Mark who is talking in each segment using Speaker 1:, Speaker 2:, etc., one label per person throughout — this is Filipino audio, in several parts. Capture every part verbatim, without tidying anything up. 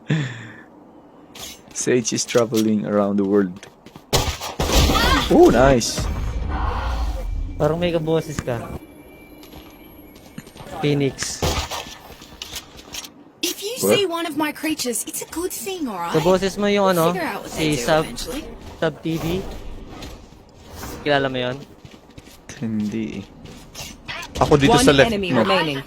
Speaker 1: Sage is traveling around the world. Oh, nice.
Speaker 2: Parang may kaboses ka. Phoenix.
Speaker 3: If you
Speaker 1: What?
Speaker 3: see one of my creatures, it's a good thing, alright?
Speaker 2: Kaboses mo yung ano,
Speaker 3: Figure out what they
Speaker 2: si
Speaker 3: do
Speaker 2: Sub,
Speaker 3: eventually.
Speaker 2: Sub T V. Kilala mo yun?
Speaker 1: Hindi. Ako dito
Speaker 4: One
Speaker 1: sa left
Speaker 4: enemy
Speaker 1: mo.
Speaker 4: remaining.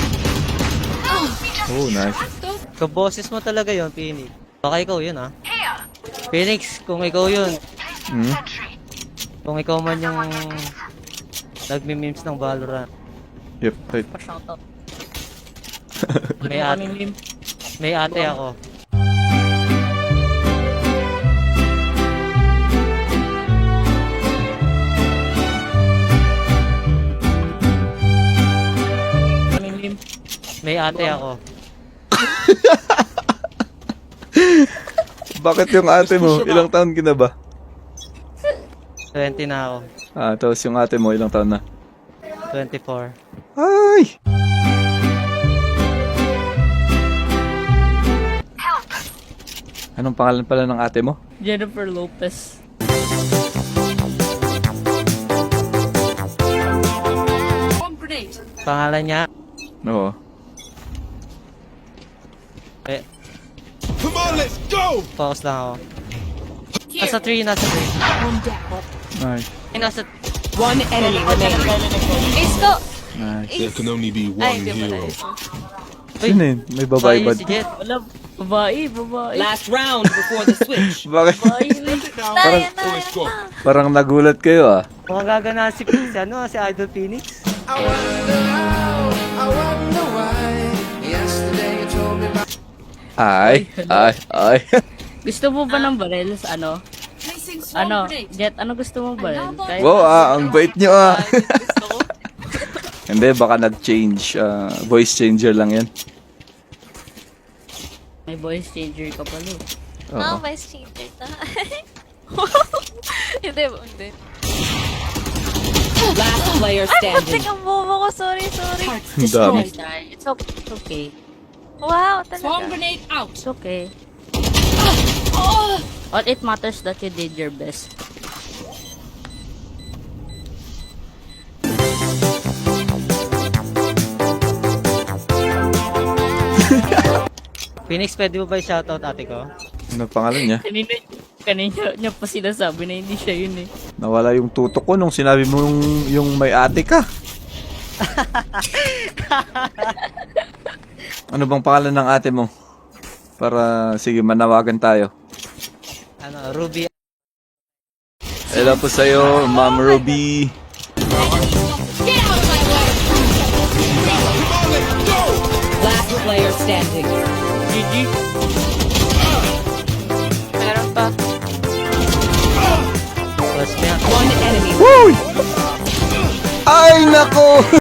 Speaker 1: Oh, nice.
Speaker 2: Kaboses mo talaga yun, Phoenix. Baka ikaw yun, ha? Phoenix, kung ikaw yun,
Speaker 1: Hmm?
Speaker 2: kung ikaw man yung nagmi-memes ng Valorant.
Speaker 1: Yep, right.
Speaker 5: Pa-shoutout.
Speaker 2: May ate, may ate ako. May ate ako.
Speaker 1: Bakit yung ate mo? Ilang taon ka na ba?
Speaker 2: twenty na ako.
Speaker 1: Ah, tapos yung ate mo, ilang taon na?
Speaker 2: twenty-four.
Speaker 1: Ay! Anong pangalan pala ng ate mo?
Speaker 5: Jennifer Lopez.
Speaker 2: Pangalan niya?
Speaker 1: Oo.
Speaker 2: Eh. Come on, let's go! Focus lang ako. Nasa three, nasa three.
Speaker 1: Nice.
Speaker 2: Ay, nasa...
Speaker 4: One enemy remaining.
Speaker 5: Isko!
Speaker 1: Nice.
Speaker 6: There can only be
Speaker 5: Ay,
Speaker 6: one
Speaker 5: di pala
Speaker 6: hero.
Speaker 5: Isko.
Speaker 1: Sino yun? May babae ba?
Speaker 2: si Jet.
Speaker 5: Wala, babae, babae.
Speaker 4: Last round before the switch.
Speaker 1: Bakit?
Speaker 5: Babae,
Speaker 1: Parang,
Speaker 6: Let's go.
Speaker 1: parang nagulat kayo ah.
Speaker 2: Mukhang gagana si, si, ano, si Idol Phoenix.
Speaker 1: Ay, ay, ay.
Speaker 5: Gusto mo ba ng baril sa ano?
Speaker 3: Placing swarm
Speaker 5: Ano?
Speaker 3: grenade.
Speaker 5: Jet, ano gusto mo baril? Kahit
Speaker 1: Wow, ah, ang bait nyo ah.
Speaker 5: gusto ko.
Speaker 1: Hindi, baka nag-change. ah, voice changer lang yan.
Speaker 5: May voice changer ka pala. eh.
Speaker 1: Oo.
Speaker 7: Ah, vice changer ta. Hindi, hindi.
Speaker 4: Last player
Speaker 7: Ay,
Speaker 4: standing.
Speaker 7: putik ang bobo ko. Sorry, sorry.
Speaker 1: Ang dami.
Speaker 5: It's okay. It's okay.
Speaker 7: Wow,
Speaker 3: Swarm
Speaker 7: talaga.
Speaker 3: grenade out.
Speaker 5: It's okay. All it matters that you did your best.
Speaker 2: Phoenix, pwede mo ba i-shoutout ate ko?
Speaker 1: Ano pangalan niya?
Speaker 5: Kanina, kanina niya pa sinasabi na hindi siya yun eh.
Speaker 1: Nawala yung tutok ko nung sinabi mo yung, yung may ate ka. Ano bang pangalan ng ate mo? Para, sige, manawagan tayo.
Speaker 2: Ano, Ruby.
Speaker 1: Hello po sa'yo, Ma'am Ruby.
Speaker 4: Last player standing.
Speaker 5: G G.
Speaker 7: Meron pa.
Speaker 2: Plus niya.
Speaker 4: One enemy.
Speaker 1: Ay, nako!